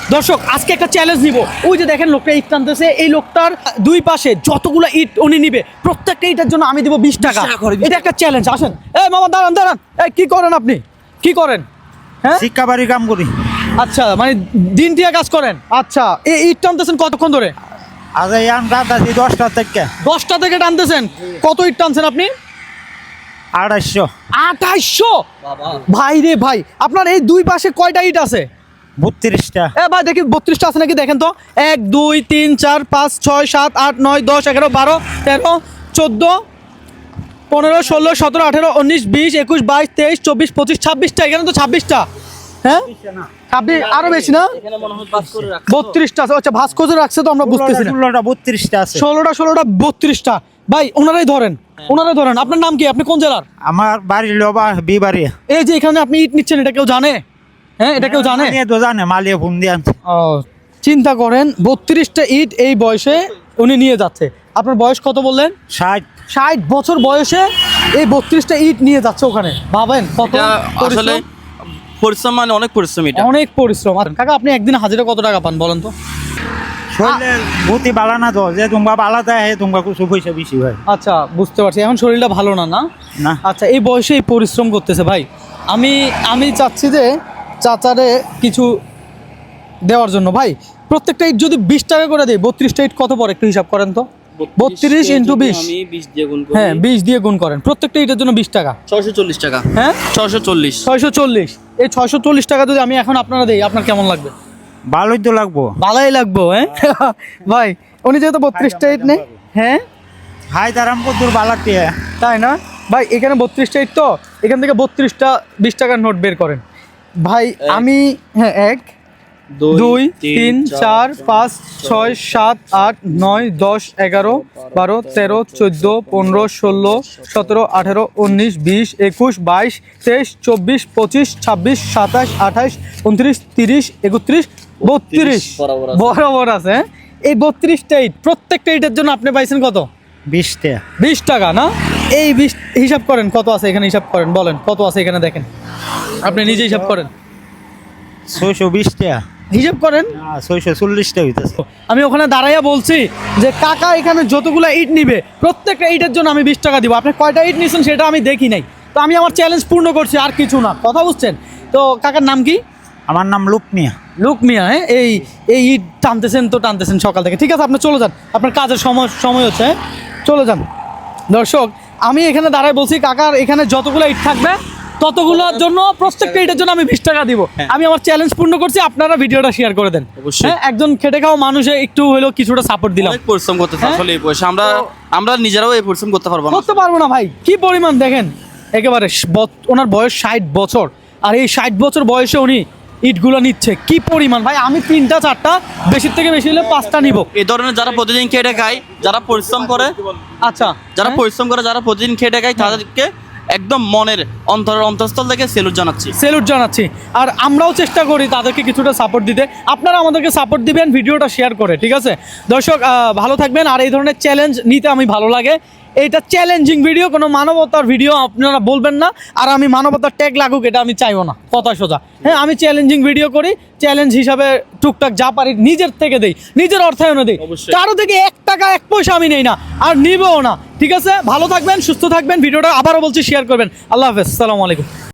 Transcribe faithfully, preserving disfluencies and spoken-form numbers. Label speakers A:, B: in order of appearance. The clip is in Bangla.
A: দর্শক আজকে একটা চ্যালেঞ্জ নিব। ওই যে দেখেন লোকটা ইট টানতেছে, এই লোকটার দুই পাশে যতগুলো ইট উনি নিবে প্রত্যেকটা ইটের জন্য আমি দিব বিশ টাকা। এটা একটা চ্যালেঞ্জ। আসেন এই মামা, দাঁড়ান দাঁড়ান। এই কি করেন আপনি? কি করেন? হ্যাঁ,
B: শিক্ষা বাড়ি কাম করি।
A: আচ্ছা, মানে দিন দিয়ে কাজ করেন। আচ্ছা, এই ইট টানতেছেন কতক্ষণ ধরে?
B: আজ ইয়ান রাত আছি দশটা থেকে।
A: দশটা থেকে টানতেছেন। কত ইট টানছেন আপনি?
B: আড়াইশো।
A: আঠাইশো? ভাই রে ভাই, আপনার এই দুই পাশে কয়টা ইট আছে?
B: বত্রিশটা।
A: এ ভাই দেখি বত্রিশটা আছে নাকি দেখেন তো। এক দুই তিন চার পাঁচ ছয় সাত আট নয় দশ এগারো বারো তেরো চোদ্দো পনেরো ষোলো সতেরো আঠেরো উনিশ বিশ একুশ বাইশ তেইশ চব্বিশ পঁচিশ ছাব্বিশটা। এখানে তো ছাব্বিশটা। হ্যাঁ, ছাব্বিশ আরো বেশি না? বত্রিশটা আছে। আচ্ছা, ভাস্কো যে রাখছে তো আমরা বুঝতেছি না।
B: ষোলোটা বত্রিশটা আছে।
A: ষোলোটা ষোলোটা বত্রিশটা। ভাই ওনারাই ধরেন, ওনারাই ধরেন। আপনার নাম কি? আপনি কোন জেলার?
B: আমার বাড়ি লোবা বিবাড়ি।
A: এই যে এখানে আপনি ইট নিচ্ছেন, এটা কেউ জানে? হ্যাঁ, এটা কেউ জানে?
B: মালিয়ে তো জানে, মালিয়ে ফোন দিয়ে আনছে।
A: ও, চিন্তা করেন বত্রিশটা ইট এই বয়সে উনি নিয়ে যাচ্ছে। আপনার বয়স কত বললেন?
B: ষাট।
A: ষাট বছর বয়সে এই বত্রিশটা ইট নিয়ে যাচ্ছে ওখানে। ভাবেন কত
C: আসলে পরিশ্রম, মানে অনেক পরিশ্রম। এটা
A: অনেক পরিশ্রম। কাকা আপনি একদিন হাজিরা কত টাকা পান বলেন তো?
B: শরীরে ভূতি বালা না তো, যে তোমরা বালা দেয় তোমরা কিছু পয়সা বেশি হয়।
A: আচ্ছা, বুঝতে পারছি। এখন শরীরটা ভালো না না?
B: না।
A: আচ্ছা, এই বয়সে এই পরিশ্রম করতেছে ভাই। আমি আমি চাচ্ছি যে চাচারে কিছু দেওয়ার জন্য। ভাই প্রত্যেকটা ইট যদি বিশ টাকা করে দেয়, বত্রিশটা ইট কত পরে একটু হিসাব করেন তো। বত্রিশ ইন্টু বিশ, হ্যাঁ বিশ দিয়ে গুণ করেন। প্রত্যেকটা ইটের জন্য বিশ টাকা,
C: ছয়শো চল্লিশ টাকা।
A: হ্যাঁ
C: ছয়শো চল্লিশ।
A: ছয়শো চল্লিশ। এই ছয়শো চল্লিশ টাকা যদি আমি এখন আপনারা দেই, আপনার কেমন লাগবে?
B: ভালোই তো লাগবো।
A: ভালোই লাগবো। হ্যাঁ ভাই, উনি যেহেতু বত্রিশটা ইট নেই। হ্যাঁ,
B: হাই তারাম কদ্দুর বালাতে।
A: তাই না ভাই? এখানে বত্রিশটা ইট তো, এখান থেকে বত্রিশটা বিশ টাকার নোট বের করেন ভাই। আমি হ্যাঁ, এক দুই তিন চার পাঁচ ছয় সাত আট নয় দশ এগারো বারো তেরো চোদ্দ পনেরো ষোলো সতেরো আঠেরো উনিশ বিশ একুশ বাইশ তেইশ চব্বিশ পঁচিশ ছাব্বিশ সাতাশ আঠাশ উনত্রিশ তিরিশ একত্রিশ বত্রিশ বরাবর আছে। হ্যাঁ, এই বত্রিশটা ইট, প্রত্যেকটা ইটের জন্য আপনি পাইছেন কত?
B: বিশটা।
A: বিশ টাকা না? এই বিশ হিসাব করেন কত আছে এখানে, হিসাব করেন, বলেন কত আছে এখানে, দেখেন আপনি নিজে হিসাব করেন।
B: ছয়শো বিশটা
A: হিসাব করেন।
B: ছয়শো চল্লিশটা হইতেছে।
A: আমি ওখানে দাঁড়াইয়া বলছি যে কাকা এখানে যতগুলো ইট নিবে প্রত্যেকটা ইটের জন্য আমি বিশ টাকা দিব। আপনি কয়টা ইট নিচ্ছেন সেটা আমি দেখি নাই, তো আমি আমার চ্যালেঞ্জ পূর্ণ করছি, আর কিছু না। কথা বুঝছেন তো? কাকার নাম কি?
B: আমার নাম লুক মিয়া।
A: লুক মিয়া। হ্যাঁ, এই এই ইট টানতেছেন তো টানতেছেন সকাল থেকে। ঠিক আছে, আপনি চলে যান, আপনার কাজের সময় সময় হচ্ছে। হ্যাঁ, চলে যান। দর্শক আমি এখানে দাঁড়ায় বলছি কাকার এখানে যতগুলো ইট থাকবে ততগুলোর জন্য প্রত্যেকটা ইটের জন্য আমি বিশ টাকা দিব। আমি আমার চ্যালেঞ্জ পূর্ণ করছি, আপনারা ভিডিওটা শেয়ার করে দেন। হ্যাঁ, একজন খেটে খাওয়া মানুষে একটু হলেও কিছুটা সাপোর্ট দিলাম।
C: অনেক পরিশ্রম করতেছে আসলে এই বয়সে। আমরা আমরা নিজেরাও এই পরিশ্রম করতে পারবো না।
A: করতে পারবো না ভাই। কি পরিমাণ দেখেন, একেবারে বত- ওনার বয়স ষাট বছর, আর এই ষাট বছর বয়সে উনি ইটগুলো নিচ্ছে। কি পরিমাণ ভাই! আমি তিনটা চারটা, বেশির থেকে বেশি হলে পাঁচটা নিব।
C: এই ধরনের যারা প্রতিদিন খেটে খায়, যারা পরিশ্রম করে,
A: আচ্ছা,
C: যারা
A: হ্যাঁ?
C: পরিশ্রম করে, যারা প্রতিদিন খেটে খায়, তাদেরকে একদম মনের অন্তরের অন্তঃস্থল থেকে সেলুট জানাচ্ছি।
A: সেলুট জানাচ্ছি। আর আমরাও চেষ্টা করি তাদেরকে কিছুটা সাপোর্ট দিতে। আপনারা আমাদেরকে সাপোর্ট দিবেন ভিডিওটা শেয়ার করে। ঠিক আছে দর্শক, আহ, ভালো থাকবেন। আর এই ধরনের চ্যালেঞ্জ নিতে আমি ভালো লাগে। এইটা চ্যালেঞ্জিং ভিডিও, কোনো মানবতার ভিডিও আপনারা বলবেন না। আর আমি মানবতার ট্যাগ লাগুক এটা আমি চাইবো না, কথা সোজা। হ্যাঁ, আমি চ্যালেঞ্জিং ভিডিও করি, চ্যালেঞ্জ হিসাবে টুকটাক যা পারি নিজের থেকে দেই, নিজের অর্থায়নে দিই। কারো থেকে এক টাকা এক পয়সা আমি নেই না, আর নিবও না। ঠিক আছে, ভালো থাকবেন, সুস্থ থাকবেন। ভিডিওটা আবারও বলছি শেয়ার করবেন। আল্লাহ হাফেজ, আসসালামু আলাইকুম।